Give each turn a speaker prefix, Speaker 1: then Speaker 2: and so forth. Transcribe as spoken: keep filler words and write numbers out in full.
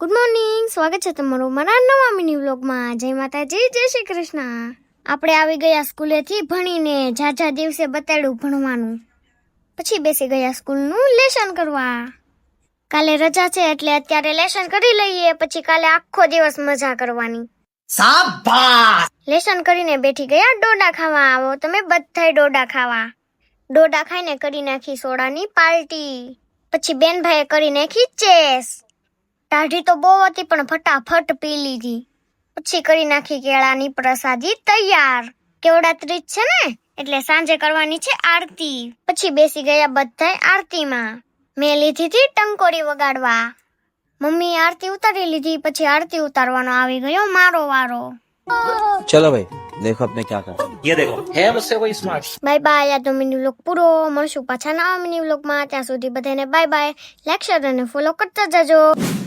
Speaker 1: Good morning, સ્વાગત છે તમારું મારા નવા મિની વ્લોગમાં. જય માતાજી, જય શ્રી કૃષ્ણ. આપણે આવી ગયા સ્કૂલેથી ભણીને, ઝાઝા દિવસે બતાડ્યું ભણવાનું, પછી બેસી ગયા સ્કૂલનું લેસન કરવા. કાલે રજા છે એટલે અત્યારે લેસન કરી લઈએ, પછી કાલે આખો દિવસ મજા કરવાની. શાબાશ! લેસન કરીને બેઠી ગયા ડોડા ખાવા. આવો તમે બધાય ડોડા ખાવા. ડોડા ખાઈને કરી નાખી સોડાની પાર્ટી. પછી બેનભાઈએ કરી નાખી ચેસ. ટાઢી તો બહુ હતી પણ ફટાફટ પી લીધી. પછી કરી નાખી કેળાની પ્રસાદી તૈયાર. કેવડા ત્રીજ છે ને એટલે સાંજે કરવાની છે આરતી. પછી બેસી ગયા બધાય આરતીમાં. મેં લીધી હતી ટંકોરી વગાડવા. મમ્મી આરતી ઉતારી લીધી. પછી આરતી ઉતારવાનો આવી ગયો મારો વારો.
Speaker 2: चलो भाई देखो अपने क्या कर
Speaker 3: ये देखो है मुझसे कोई स्मार्ट।
Speaker 1: Bye bye. આ તો મિની વ્લોગ પૂરો. મળશું પાછા નવા મિની વ્લોગમાં. ત્યાં સુધી બધાને બાય બાય. લાઈક શેર અને ફોલો કરતા જજો.